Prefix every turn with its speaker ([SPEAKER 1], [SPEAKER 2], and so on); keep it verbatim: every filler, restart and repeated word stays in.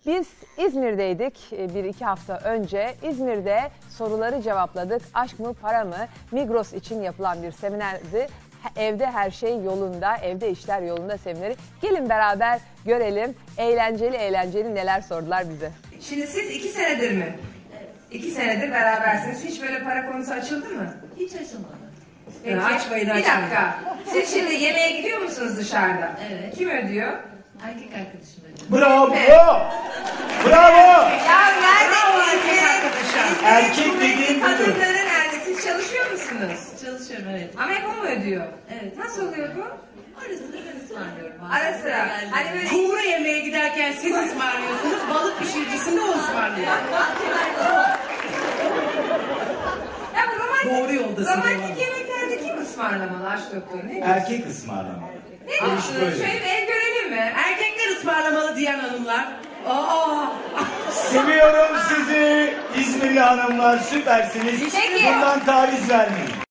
[SPEAKER 1] Biz İzmir'deydik bir iki hafta önce. İzmir'de soruları cevapladık. Aşk mı para mı? Migros için yapılan bir seminerdi. Evde her şey yolunda, evde işler yolunda semineri. Gelin beraber görelim eğlenceli eğlenceli neler sordular bize.
[SPEAKER 2] Şimdi siz iki senedir mi? Evet. İki senedir berabersiniz. Hiç böyle para konusu açıldı mı?
[SPEAKER 3] Hiç açılmadı.
[SPEAKER 2] Peki, açmayın, açmayın. Bir dakika. Siz şimdi yemeğe gidiyor musunuz dışarıda?
[SPEAKER 3] Evet.
[SPEAKER 2] Kim ödüyor?
[SPEAKER 3] Erkek arkadaşım ödüyor.
[SPEAKER 4] Bravo!
[SPEAKER 2] Evet.
[SPEAKER 4] Bravo!
[SPEAKER 2] Ya nerede siz?
[SPEAKER 4] Erkek dediğin budur.
[SPEAKER 2] Kadınları nerede? Siz çalışıyor musunuz?
[SPEAKER 3] Çalışıyorum, evet.
[SPEAKER 2] Ama hep o mu ödüyor?
[SPEAKER 3] Evet.
[SPEAKER 2] Nasıl oluyor bu?
[SPEAKER 3] Ara sıra ben ısmarlıyorum.
[SPEAKER 2] Ara sıra. Hani böyle
[SPEAKER 5] Kumru yemeğe giderken siz ısmarlıyorsunuz, balık pişiricisinde o ısmarlıyor.
[SPEAKER 2] ya bu romantik,
[SPEAKER 5] Doğru yoldasın.
[SPEAKER 2] romantik yemeklerde kim ısmarlamalı aşk doktoru? Ne diyorsun?
[SPEAKER 4] Erkek ısmarlama.
[SPEAKER 2] Ne diyorsunuz?
[SPEAKER 4] böyle.
[SPEAKER 2] Şöyle bir el görelim mi?
[SPEAKER 5] Erkekler ısmarlamalı diyen hanımlar. Aa!
[SPEAKER 4] Seviyorum sizi İzmirli hanımlar, süpersiniz.
[SPEAKER 2] Peki.
[SPEAKER 4] Bundan taviz vermeyin.